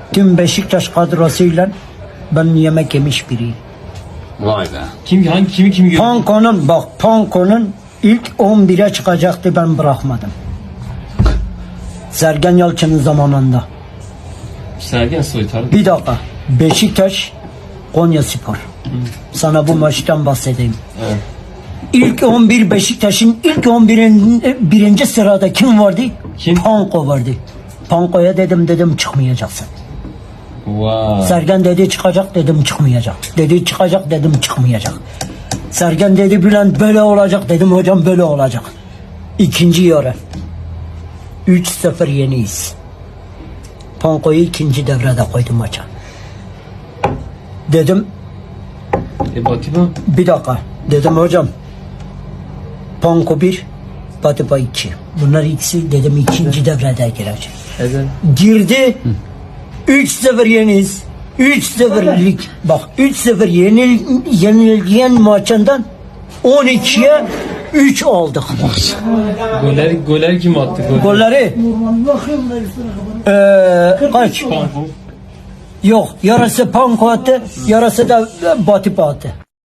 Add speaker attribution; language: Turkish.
Speaker 1: Tüm Beşiktaş kadrosuyla ben yemek yemiş biriyim.
Speaker 2: Vay be.
Speaker 3: Kimi gördün?
Speaker 1: Panko'nun ilk 11'e çıkacaktı, ben bırakmadım. Sergen Yalçın'ın zamanında.
Speaker 3: Sergen Soytar.
Speaker 1: Bir dakika. Beşiktaş Konyaspor. Sana bu maçtan bahsedeyim.
Speaker 3: Evet.
Speaker 1: İlk 11 Beşiktaş'ın ilk 11'in birinci sırada kim vardı?
Speaker 3: Kim?
Speaker 1: Panko vardı. Panko'ya dedim çıkmayacaksın.
Speaker 3: Wow.
Speaker 1: Sergen dedi çıkacak, dedim çıkmayacak. Dedi çıkacak, dedim çıkmayacak. Sergen dedi Bülent böyle olacak, dedim hocam böyle olacak. İkinci yarı 3-0 yeniyiz. Panko'yu ikinci devrede koydum maça. Dedim
Speaker 3: Batiba.
Speaker 1: bir dakika. Dedim hocam Panko 1, Batiba 2. Bunlar ikisi dedim ikinci devrede girecek.
Speaker 3: Evet.
Speaker 1: Girdi. 3-0 yeniyiz. 3-0'lik. Bak 3-0 yenilgen maçından 12'ye 3 aldık.
Speaker 3: Goller kim attı?
Speaker 1: Golleri kaç?
Speaker 3: Panko.
Speaker 1: Yok. Yarısı Panko attı. Yarısı da Batiba attı.